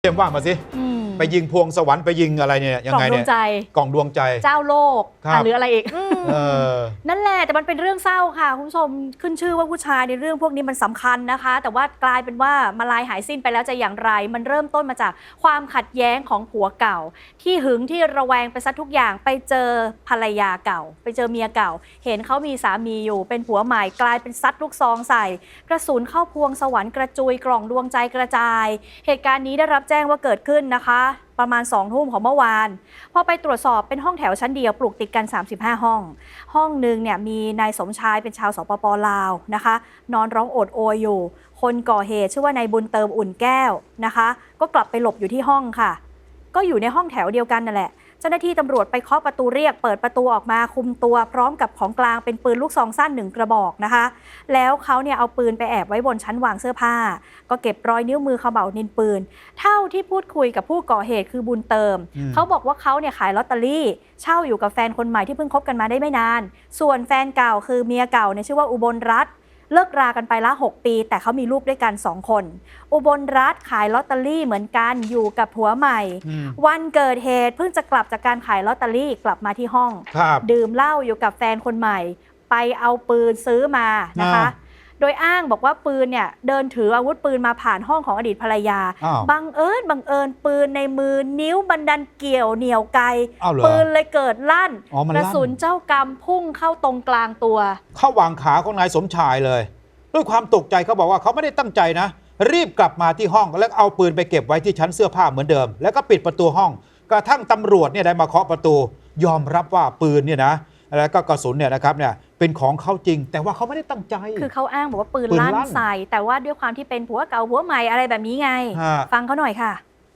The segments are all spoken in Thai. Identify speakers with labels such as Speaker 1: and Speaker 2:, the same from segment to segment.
Speaker 1: เตรียมว่ามาสิไปยิงพวงสวรรค์ไปยิงอะไรเนี่ยยังไงเนี่ยกล่องดวงใจ
Speaker 2: เจ้าโลกหรืออะไรอีกนั่นแหละแต่มันเป็นเรื่องเศร้าค่ะคุณผู้ชมขึ้นชื่อว่าผู้ชายในเรื่องพวกนี้มันสำคัญนะคะแต่ว่ากลายเป็นว่ามาลายหายสิ้นไปแล้วจะอย่างไรมันเริ่มต้นมาจากความขัดแย้งของผัวเก่าที่หึงที่ระแวงไปซะทุกอย่างไปเจอภรรยาเก่าไปเจอเมียเก่าเห็นเขามีสามีอยู่เป็นผัวใหม่กลายเป็นซัดลูกซองใส่กระสุนเข้าพวงสวรรค์กระจุยกล่องดวงใจกระจายเหตุการณ์นี้ได้รับแจ้งว่าเกิดขึ้นนะคะประมาณ2 ทุ่มของเมื่อวานพอไปตรวจสอบเป็นห้องแถวชั้นเดียวปลูกติดกัน35ห้องหนึ่งเนี่ยมีนายสมชายเป็นชาวสปป.ลาวนะคะนอนร้องโอดโอยอยู่คนก่อเหตุชื่อว่านายบุญเติมอุ่นแก้วนะคะก็กลับไปหลบอยู่ที่ห้องค่ะก็อยู่ในห้องแถวเดียวกันนั่นแหละเจ้าหน้าที่ตำรวจไปเคาะประตูเรียกเปิดประตูออกมาคุมตัวพร้อมกับของกลางเป็นปืนลูกซองสั้น1 กระบอกนะคะแล้วเขาเนี่ยเอาปืนไปแอบไว้บนชั้นวางเสื้อผ้าก็เก็บรอยนิ้วมือเขม่านินปืนเท่าที่พูดคุยกับผู้ก่อเหตุคือบุญเติมเขาบอกว่าเขาเนี่ยขายลอตเตอรี่เช่าอยู่กับแฟนคนใหม่ที่เพิ่งคบกันมาได้ไม่นานส่วนแฟนเก่าคือเมียเก่าเนี่ยชื่อว่าอุบลรัตน์เลิกรากันไปละ6 ปีแต่เขามีลูกด้วยกัน2 คนอุบลรัตน์ขายลอตเตอรี่เหมือนกันอยู่กับผัวใหม่วันเกิดเหตุเพิ่งจะกลับจากการขายลอตเตอรี่กลับมาที่ห้องดื่มเหล้าอยู่กับแฟนคนใหม่ไปเอาปืนซื้อมานะคะโดยอ้างบอกว่าปืนเนี่ยเดินถืออาวุธปืนมาผ่านห้องของอดีตภรรยาบังเอิญปืนในมือนิ้วบันดันเกี่ยวเหนี่ยวไกปืนเลยเกิดลั่นกระสุนเจ้ากรรมพุ่งเข้าตรงกลางตัว
Speaker 1: เข้าวางขาของนายสมชายเลยด้วยความตกใจเขาบอกว่าเขาไม่ได้ตั้งใจนะรีบกลับมาที่ห้องแล้วเอาปืนไปเก็บไว้ที่ชั้นเสื้อผ้าเหมือนเดิมแล้วก็ปิดประตูห้องกระทั่งตำรวจเนี่ยได้มาเคาะประตูยอมรับว่าปืนเนี่ยนะแล้วก็กระสุนเนี่ยนะครับเนี่ยเป็นของเขาจริงแต่ว่าเขาไม่ได้ตั้งใจ
Speaker 2: คือเขาอ้างบอกว่าปืนลั่นใส่แต่ว่าด้วยความที่เป็นผัวเก่าผัวใหม่อะไรแบบนี้ไงฟังเขาหน่อยค่ะ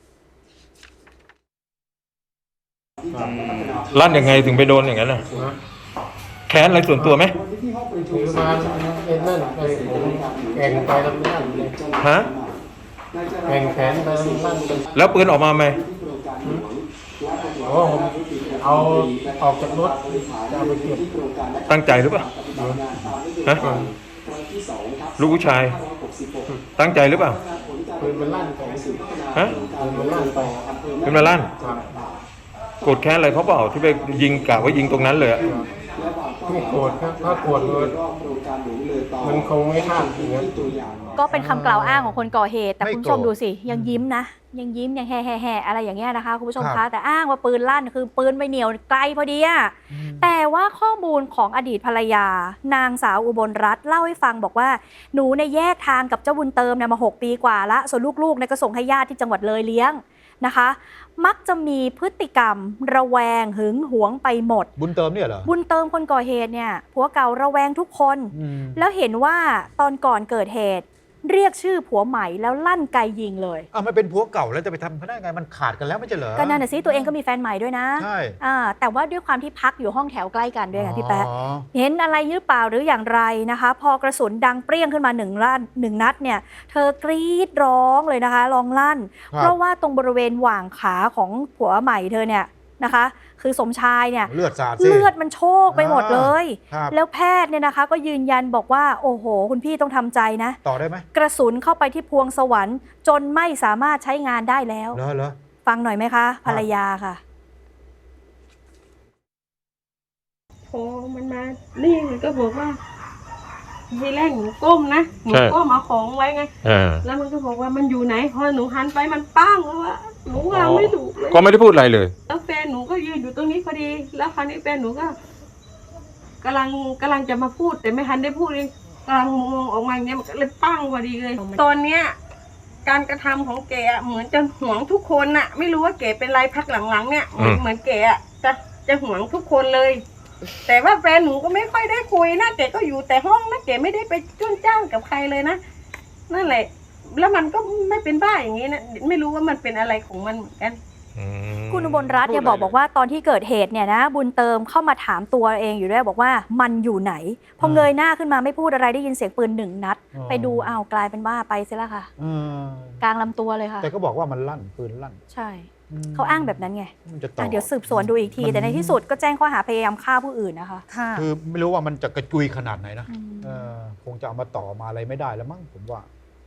Speaker 3: ลั่นยังไงถึงไปโดนอย่างนั้นน่ะแค้นอะไรส่วนตัวไหม
Speaker 4: ถือมาเป็นนั่นไปแข่งไปแล้วนั่น
Speaker 3: ฮะ
Speaker 4: แข่งแขนไปนั่น
Speaker 3: แล้วปืนออกมาไหม
Speaker 4: โอ้ผมเอาออกจากรถจะเอาไปเก็บ
Speaker 3: ตั้งใจหรือเปล่าฮะลูกผู้ชายตั้งใจหรือเปล่า
Speaker 4: ปืนมันลั่นไป
Speaker 3: ฮะ
Speaker 4: ปืนมันลั่นไป
Speaker 3: ปืนมันลั่นโกรธแค้นอะไรเขาเปล่าที่ไปยิงกะว่ายิงตรงนั้นเลยอะ
Speaker 4: ไม่โกรธครับถ้าโกรธมันคงไม่พลาดอย่างนั้น
Speaker 2: ก็เป็นคำกล่าวอ้างของคนก่อเหตุแต่คุณผู้ชมดูสิยังยิ้มนะยังยิ้มยังแห่อะไรอย่างเงี้ยนะคะคุณผู้ชมคะแต่อ้างว่าปืนลั่นคือปืนไปเหนียวไกลพอดีอะแต่ว่าข้อมูลของอดีตภรรยานางสาวอุบลรัตน์เล่าให้ฟังบอกว่าหนูในแยกทางกับเจ้าบุญเติมเนี่ยมา6 ปีกว่าละส่วนลูกๆเนี่ยก็ส่งให้ญาติที่จังหวัดเลยเลี้ยงนะคะมักจะมีพฤติกรรมระแวงหึงหวงไปหมด
Speaker 1: บุญเติมเนี่ยเหรอ
Speaker 2: บุญเติมคนก่อเหตุเนี่ยผัวเก่าระแวงทุกคนแล้วเห็นว่าตอนก่อนเกิดเหตุเรียกชื่อผัวใหม่แล้วลั่นไกยิงเลย
Speaker 1: มันเป็นผัวเก่าแล้วจะไปทำเขาได้ไงมันขาดกันแล้วไม่ใช่เหรอ
Speaker 2: ก็นั่นน่ะสิตัวเองก็มีแฟนใหม่ด้วยนะ
Speaker 1: ใช่
Speaker 2: แต่ว่าด้วยความที่พักอยู่ห้องแถวใกล้กันด้วยค่ะพี่แป๊ะเห็นอะไรหรือเปล่าหรืออย่างไรนะคะพอกระสุนดังเปรี้ยงขึ้นมา1 นัดเนี่ยเธอกรี๊ดร้องเลยนะคะร้องลั่นเพราะว่าตรงบริเวณหว่างขาของผัวใหม่เธอเนี่ยนะคะคือสมชายเนี่ย
Speaker 1: เลือดสาด
Speaker 2: เลือดมันโชกไปหมดเลยแล้วแพทย์เนี่ยนะคะก็ยืนยันบอกว่าโอ้โหคุณพี่ต้องทำใจนะ
Speaker 1: ต่อได้ไหม
Speaker 2: กระสุนเข้าไปที่พวงสวรรค์จนไม่สามารถใช้งานได้แล้ว
Speaker 1: เหรอ
Speaker 2: ฟังหน่อยไหมคะภรรยาค่ะ
Speaker 5: พอมันมานี่มันก็บอกว่าทีแรกหนูก้มนะหนูก้มเอาของไว้ไงแล้วมันก็บอกว่ามันอยู่ไหนพอหนูหันไปมันปั้งแล้วว่าหนูวางไม่ถูกเลย
Speaker 3: ก็ไม่ได้พูดอะไรเลย
Speaker 5: แล้วแฟนหนูก็ยืนอยู่ตรงนี้พอดีแล้วคราวนี้แฟนหนูก็กำลังจะมาพูดแต่ไม่ทันได้พูดเลยกำลังมองออกมาอย่างเนี้ยมันก็เลยปั้งพอดีเลยตอนเนี้ยการกระทำของแกเหมือนจะหวงทุกคนน่ะไม่รู้ว่าแกเป็นไรพักหลังๆเนี่ยเหมือนแกจะหวงทุกคนเลยแต่ว่าแฟนหนูก็ไม่ค่อยได้คุยนะแกก็อยู่แต่ห้องนะแกไม่ได้ไปจ้นจ้างกับใครเลยนะนั่นแหละแล้วมันก็ไม่เป็นบ้าอย่างนี้นะไม่รู้ว่ามันเป็นอะไรของมันเหมือนกัน
Speaker 2: คุณอุบลรัตน์เนี่ยบอกว่าตอนที่เกิดเหตุเนี่ยนะบุญเติมเข้ามาถามตัวเองอยู่ด้วยบอกว่ามันอยู่ไหนพอเงยหน้าขึ้นมาไม่พูดอะไรได้ยินเสียงปืน1 นัดไปดูกลายเป็นบ้าไปเสียแล้วค่ะกลางลำตัวเลยค่ะ
Speaker 1: แต่ก็บอกว่ามันลั่นปืนลั่น
Speaker 2: ใช่เขาอ้างแบบนั้นไงเดี๋ยวสืบสวนดูอีกทีแต่ในที่สุดก็แจ้งข้อหาพยายามฆ่าผู้อื่นนะคะ
Speaker 1: คือไม่รู้ว่ามันจะกระจุยขนาดไหนนะคงจะเอามาต่อมาอะไรไม่ได้แล้วมั้งผมว่า